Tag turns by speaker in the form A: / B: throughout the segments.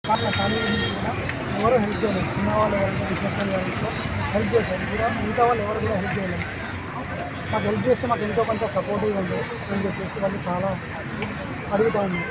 A: ఖాళీ కూడా ఎవరు హెల్ప్ చేయలేదు. చిన్న వాళ్ళు ఎవరైనా బిజినెస్ వాళ్ళు హెల్ప్ చేశారు కూడా, మిగతా వాళ్ళు ఎవరు కూడా హెల్ప్ చేయలేదు. మాకు హెల్ప్ చేస్తే మాకు ఎంతో కొంత సపోర్టివ్గా ఉంది అని చెప్పేసి వాళ్ళు చాలా అడుగుతూ ఉన్నారు.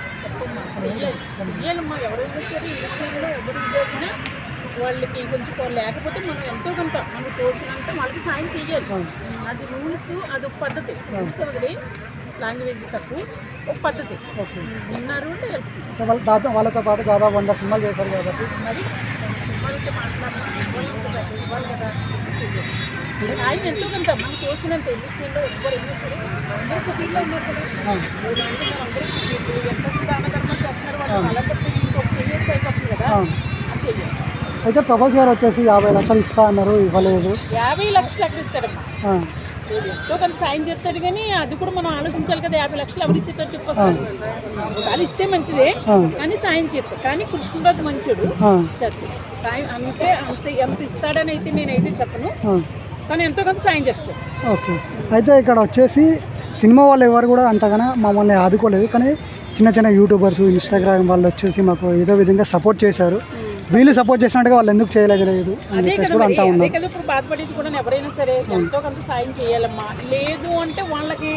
B: ఎవరైనా సరే ఇండస్ట్రీలో ఎవరు చేసినా వాళ్ళకి కొంచెం లేకపోతే మనం ఎంతో కొంత మనకు తోచినంత వాళ్ళకి సాయం చేయాలి. అది రూల్స్, అది ఒక పద్ధతి. రూల్స్ వదిలి లాంగ్వేజ్ తక్కువ ఒక పద్ధతి ఉన్నారు అంటే హెల్ప్ చేయాలి.
A: వాళ్ళతో పాటు దాదాపు 100 సినిమాలు చేశారు కాబట్టి
B: మరి వాళ్ళతో మాట్లాడాలి కదా. ఆయన ఎంతో కొంత మనకు తోచినంత ఇండస్ట్రీలో ఎవరైనా సరే అందరికీ ఫీల్డ్లో ఉన్నారు కదా. అందరికీ ఎంత దాన ధర్మాలు చేస్తున్నారు వాళ్ళు అలా బట్టి ఇంకొక క్లియర్ అయిపోతుంది కదా. అది చెయ్యాలి.
A: అయితే ప్రభాస్ గారు వచ్చేసి 50 లక్షలు ఇస్తా అన్నారు, ఇవ్వలేదు.
B: 50 లక్షలు ఎక్కడ ఇస్తాడమ్మా? ఎంతో కొంత సాయం చేస్తాడు కానీ అది కూడా మనం ఆలోచించాలి కదా. 50 లక్షలు ఎవరు ఇచ్చేస్తారు చెప్పాలి. వాళ్ళు ఇస్తే మంచిదే కానీ సాయం చేస్తారు. కానీ కృష్ణరాజు మంచోడు చేస్తాడు సాయం. అంతే అంతే ఎంత ఇస్తాడని అయితే నేనైతే చెప్పను, కానీ ఎంతో కొంత సాయం చేస్తాడు.
A: ఓకే. అయితే ఇక్కడ వచ్చేసి సినిమా వాళ్ళు ఎవరు కూడా అంతగానో మమ్మల్ని ఆదుకోలేదు, కానీ చిన్న చిన్న యూట్యూబర్స్, ఇన్స్టాగ్రామ్ వాళ్ళు వచ్చేసి మాకు ఏదో విధంగా సపోర్ట్ చేశారు. వీళ్ళు సపోర్ట్ చేసినట్టుగా వాళ్ళు ఎందుకు చేయలేదు అని చెప్పేసి కూడా అంటా ఉన్నారు.
B: ఇప్పుడు బాధపడేది కూడా ఎవరైనా సరే ఎంతో కొంత సాయం చేయాలమ్మా. లేదు అంటే వాళ్ళకి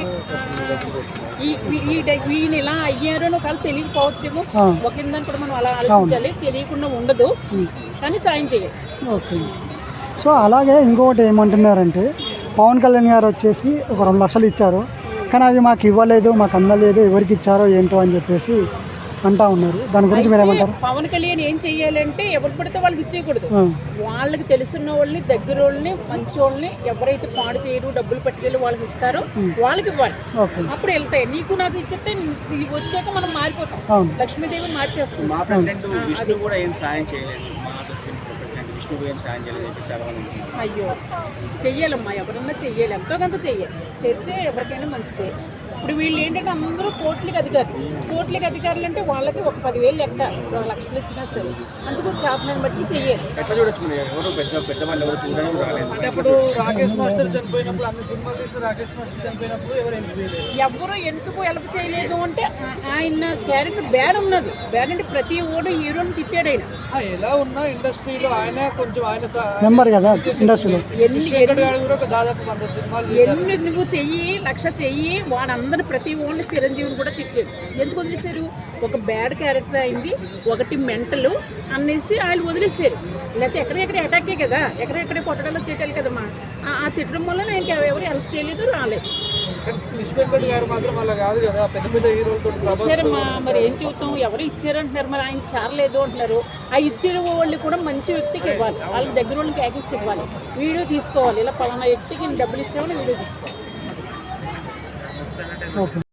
B: ఈయన ఇలా అయ్యారు అని ఒకవేళ తెలియకపోవచ్చేమో. ఒకందని కూడా మనం అలా ఆలోచించాలి, తెలియకుండా ఉండదు కానీ సాయం చేయాలి.
A: ఓకే. సో అలాగే ఇంకొకటి ఏమంటున్నారంటే పవన్ కళ్యాణ్ గారు వచ్చేసి ఒక 2 లక్షలు ఇచ్చారు, కానీ అవి మాకు ఇవ్వలేదు, మాకు అందలేదు, ఎవరికి ఇచ్చారో ఏంటో అని చెప్పేసి అంటా ఉన్నారు. దాని గురించి మీరు ఏమంటారు?
B: పవన్ కళ్యాణ్ ఏం చెయ్యాలంటే ఎవరు పడితే వాళ్ళకి ఇచ్చేయకూడదు. వాళ్ళకి తెలుసున్న వాళ్ళని, దగ్గర వాళ్ళని, మంచోళ్ళని, ఎవరైతే పాడు చేయరు, డబ్బులు పట్టుకెళ్ళి వాళ్ళకి ఇస్తారో వాళ్ళకి ఇవ్వాలి. అప్పుడు వెళ్తాయి. నీకు నాకు ఇచ్చేస్తే వచ్చాక మనం మారిపోతాం. లక్ష్మీదేవిని మార్చేస్తాం. అయ్యో చెయ్యాలమ్మా, ఎవరన్నా చెయ్యాలి, ఎంతో కొంత చెయ్యాలి. చేస్తే ఎవరికైనా మంచిదే. ఇప్పుడు వీళ్ళు ఏంటంటే అందరూ కోట్లకి అధికారులు అంటే వాళ్ళకి ఒక 10,000 లెక్క 2 లక్షలు ఇచ్చినా సరే అందుకు చేతనాన్ని బట్టి చెయ్యాలి.
A: ఇప్పుడు రాకేష్ మాస్టర్ చనిపోయినప్పుడు, అన్ని సినిమాలు చేసిన రాకేష్ మాస్టర్ చనిపోయినప్పుడు
B: ఎవరు ఎందుకు హెల్ప్ చేయలేదు అంటే ఆయన క్యారెక్టర్ బ్యాడ్ ఉన్నది. బ్యాడ్ అంటే ప్రతి ఓడు హీరోని తిట్టాడు. ఆయన
A: ఎలా ఉన్నా ఇండస్ట్రీలో ఆయన కొంచెం ఆయన నెంబర్ కదా ఇండస్ట్రీలో. దాదాపు 100 సినిమాలు
B: ఎన్ని నువ్వు చెయ్యి, 1,00,000 చెయ్యి, వాడందరూ ప్రతి ఓన్లీ చిరంజీవిని కూడా తిట్టాడు. ఎందుకు వదిలేశారు? ఒక బ్యాడ్ క్యారెక్టర్ అయింది, ఒకటి మెంటల్ అనేసి వాళ్ళు వదిలేశారు. లేకపోతే ఎక్కడెక్కడ అటాకే కదా, ఎక్కడెక్కడే కొట్టడాలో చేయటాలి కదమ్మా. ఆ తిట్టడం వల్ల నేను ఎవరు హెల్ప్ చేయలేదు, రాలేదు. సరేమ్మా, మరి ఏం చెబుతాం? ఎవరు ఇచ్చారంటున్నారు, మరి ఆయన చారలేదు అంటున్నారు. ఆ ఇచ్చిన వాళ్ళు కూడా మంచి వ్యక్తికి ఇవ్వాలి, వాళ్ళ దగ్గర వాళ్ళకి యాక్సెస్ ఇవ్వాలి, వీడియో తీసుకోవాలి. ఇలా పలానా వ్యక్తికి డబ్బులు ఇచ్చామని వీడియో తీసుకోవాలి.
A: ఓకే.